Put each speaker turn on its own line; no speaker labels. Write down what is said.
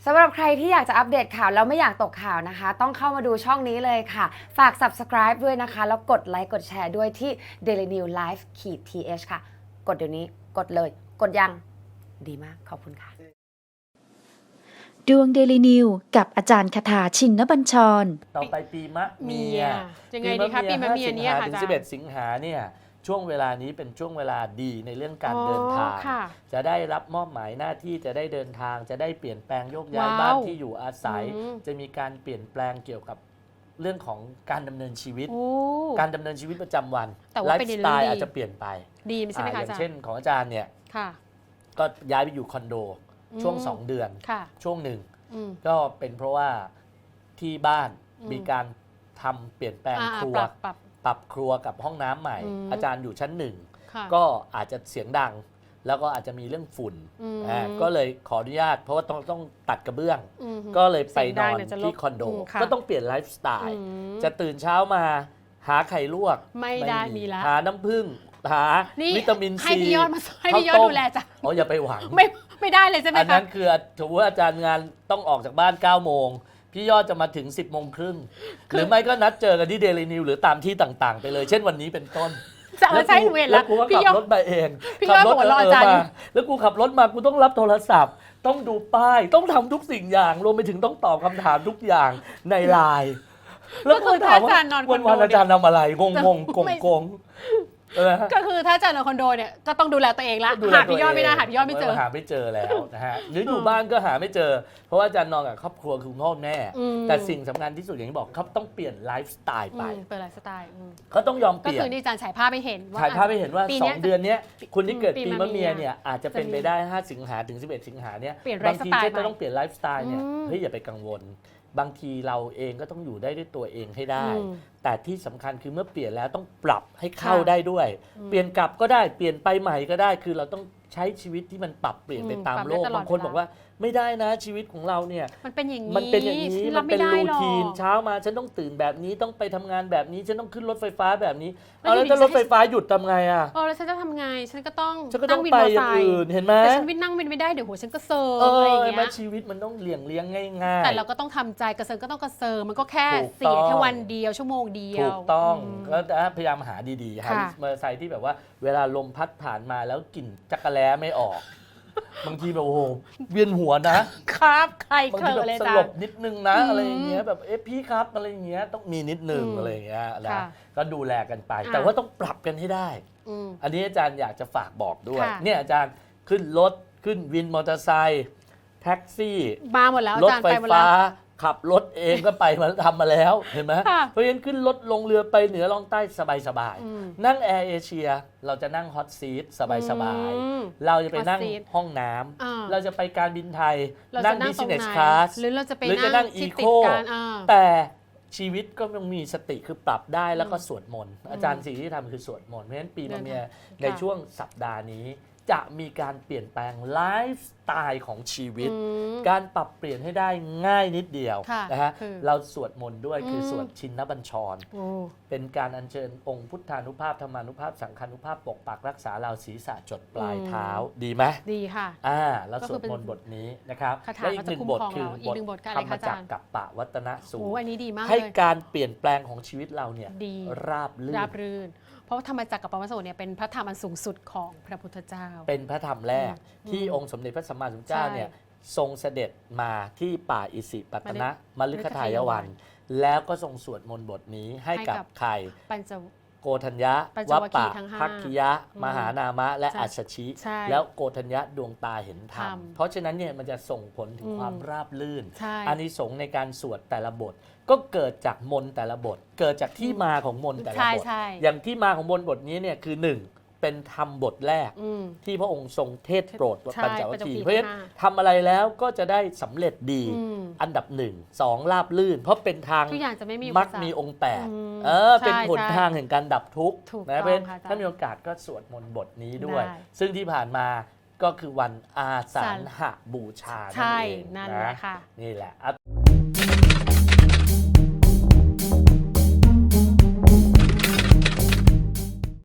สำหรับใครที่อยากจะอัปเดตข่าวแล้วไม่อยากตกข่าวนะคะต้องเข้ามาดูช่องนี้เลยค่ะฝาก subscribe ด้วยนะคะแล้วกดไลค์กดแชร์ด้วยที่ Daily New Life _th ค่ะกดเดี๋ยวนี้กดเลยกดยังดีมากขอบคุณค่ะ
ดวงเดลินิวกับอาจารย์คาถาชินบัญชร
ต่อไปปีมะเมีย
ยังไงดีคะปีมะเมียเนี่ยค่ะ
ถึง11 สิงหาเนี่ยช่วงเวลานี้เป็นช่วงเวลาดีในเรื่องการเดินทางจะได้รับมอบหมายหน้าที่จะได้เดินทางจะได้เปลี่ยนแปลงโยกย้ายบ้านที่อยู่อาศัยจะมีการเปลี่ยนแปลงเกี่ยวกับเรื่องของการดำเนินชีวิตการดำเนินชีวิตประจำวันไลฟ์สไตล์อาจจะเปลี่ยนไป
ดีใช่ไหมคะ
อย่างเช่นของอาจารย์เนี่ยก็ย้ายไปอยู่คอนโดช่วง2 เดือนช่วงหนึ่งก็เป็นเพราะว่าที่บ้านมีการทำเปลี่ยนแปลงครัวปรับครัวกับห้องน้ำใหม่อาจารย์อยู่ชั้น1ก็อาจจะเสียงดังแล้วก็อาจจะมีเรื่องฝุ่นก็เลยขออนุญาตเพราะว่าต้องตัดกระเบื้องก็เลยไปนอนที่คอนโดก็ต้องเปลี่ยนไลฟ์สไตล์จะตื่นเช้ามาหาไข่ลวก
ไม่ได้มีแล้ว
หาน้ำผึ้งหาวิตามินซี
ให้พี่ยอดมาให้พี่ยอดดูแลจ้ะ
อ๋ออย่าไปหวัง
ไม่ได้เลยใช่ไหมคะ
อันนั้นคือถือว่าอาจารย์งานต้องออกจากบ้าน9 โมงพี่ยอดจะมาถึง10 โมงครึ่งหรือไม่ก็นัดเจอกันที่เดลินิวหรือตามที่ต่างๆไปเลยเช่นวันนี้เป็นต้น
ใช่เวรแล้ว
กูก็ขับรถมาเอง
พี่ยอดบอกว่ารออาจารย์
แล้วกูขับรถมากูต้องรับโทรศัพท์ต้องดูป้ายต้องทำทุกสิ่งอย่างรวมไปถึงต้องตอบคำถามทุกอย่างในไลน์แล้วก็ถามว่าวันอาจารย์ทำอะไรงงกง
ก็คือถ้าเจอในคอนโดเนี่ยก็ต้องดูแลตัวเองละหาพี่ยอดไม่ได้หาพี่ยอดไม่เจอ
หาไม่เจอแล้วนะฮะหรืออยู่บ้านก็หาไม่เจอเพราะว่าอาจารย์นอนกับครอบครัวคือคุณพ่อแม่แต่สิ่งสำคัญที่สุดอย่างที่บอกเขาต้องเปลี่ยนไลฟ์สไตล์ไป
เปลี่ยนไลฟ์สไตล์
เขาต้องยอมเปลี่ยน
ก็คือที่อาจารย์ฉายภาพให้เห็นว่า
ฉายภาพให้เห็นว่า2 เดือนนี้คุณที่เกิดปีมะเมียเนี่ยอาจจะเป็นไปได้5 สิงหาถึง11 สิงหาเนี่ยบางทีจะต้องเปลี่ยนไลฟ์สไตล์เนี่ยเฮ้ยอย่าไปกังวลบางทีเราเองก็ต้องอยู่ได้ด้วยตัวเองให้ได้แต่ที่สำคัญคือเมื่อเปลี่ยนแล้วต้องปรับให้เข้าได้ด้วยเปลี่ยนกลับก็ได้เปลี่ยนไปใหม่ก็ได้คือเราต้องใช้ชีวิตที่มันปรับเปลี่ยนไปตามโลกบางคนบอกว่าไม่ได้นะชีวิตของเราเนี่ย
มันเป็นอย่างนี้
มันเป็นรูทีนเช้ามาฉันต้องตื่นแบบนี้ต้องไปทำงานแบบนี้ฉันต้องขึ้นรถไฟฟ้าแบบนี้เอาแล้วถ้ารถไฟฟ้าหยุดทำไงอ่ะ
แล้วฉันจะทำไงฉันก็ต้อง
นั่งวินมอเตอร์ไซค์เห็นไหม
แต่ฉันนั่งวินไม่ได้เดี๋ยวหัวฉันก็เซิร์อะไรอย่างเงี้ย
ชีวิตมันต้องเลี้ยงง่ายๆ
แต่เราก็ต้องทำใจกระเซิร์ก็ต้องกระเซิร์มันก็แค่เสียแค่วันเดียวชั่วโมงเดียว
ถูกต้องก็พยายามหาดีๆหามอเตอร์ไซค์ที่แบบว่าเวลาลมพัดผ่านมาแล้วกลิ่นจักระแล้ไม่ออกบางทีแบบโอ้โหเวียนหัว
นะครับใครเคยเลย
จ้ะสลบนิดนึงนะอะไรอย่างเงี้ยแบบพี่ครับอะไรอย่างเงี้ยต้องมีนิดนึงอะไรอย่างเงี้ยนะก็ดูแลกันไปแต่ว่าต้องปรับกันให้ได้อันนี้อาจารย์อยากจะฝากบอกด้วยเนี่ยอาจารย์ขึ้นรถขึ้นวินมอเตอร์ไซค์แท็กซี่
มาหมดแล้ว
รถไฟฟ้าขับรถเองก็ไปมาทำมาแล้วเห็นไหมเพราะฉะนั้นขึ้นรถลงเรือไปเหนือล่องใต้สบายๆนั่งแอร์เอเชียเราจะนั่งฮอตซีทสบายๆเราจะไปนั่งห้องน้ำเราจะไปการบินไทยนั่ง business class
หรือเราจะไป
นั่งอีโคแต่ชีวิตก็ต้องมีสติคือปรับได้แล้วก็สวดมนต์อาจารย์สิ่งที่ทำคือสวดมนต์เพราะฉะนั้นปีมะเมียในช่วงสัปดาห์นี้จะมีการเปลี่ยนแปลงไลฟ์สไตล์ของชีวิตการปรับเปลี่ยนให้ได้ง่ายนิดเดียวนะฮะเราสวดมนต์ด้วยคือสวดชินบัญชรเป็นการอัญเชิญองค์พุทธานุภาพธรรมานุภาพสังฆานุภาพปกปักรักษาเราศีรษะจดปลายเท้าดีไหม
ดีค่ะ
แล้วสวดมนต์บทนี้นะครับและอีก1 บทคือบทธรรมจักรกัปปะวัตนสูตรให้การเปลี่ยนแปลงของชีวิตเราเนี่ยราบรื่น
เพราะธรรมจักรกับปวัตนสูตรเนี่ยเป็นพระธรรมอันสูงสุดของพระพุทธเจ้า
เป็นพระธรรมแรกที่องค์สมเด็จพระสัมมาสัมพุทธเจ้าเนี่ยทรงเสด็จมาที่ป่าอิสิปตนะมฤคทายวันแล้วก็ทรงสวดมนต์บทนี้ให้กับใครโกฏัญญะวัปปะภักคิยะมหานามะและอัสสชิแล้วโกฏัญญะดวงตาเห็นธรรมเพราะฉะนั้นเนี่ยมันจะส่งผลถึงความราบรื่นอานิสงส์ในการสวดแต่ละบทก็เกิดจากมนต์แต่ละบทเกิดจากที่มาของมนต์แต่ละบทอย่างที่มาของมนต์บทนี้เนี่ยคือ1เป็นธรรมบทแรกที่พระองค์ทรงเทศโปรดปัญจวัคคีย์เพราะฉะนั้นทำอะไรแล้วก็จะได้สำเร็จดีอันดับ1 2ราบลื่นเพราะเป็นทางมักมีองค์8เป็นหนทางแห่งการดับทุกข์นะเพราะฉะนั้นถ้ามีโอกาสก็สวดมนต์บทนี้ด้วยซึ่งที่ผ่านมาก็คือวันอาสาฬหบูชานั่นเองนะนี่แหละ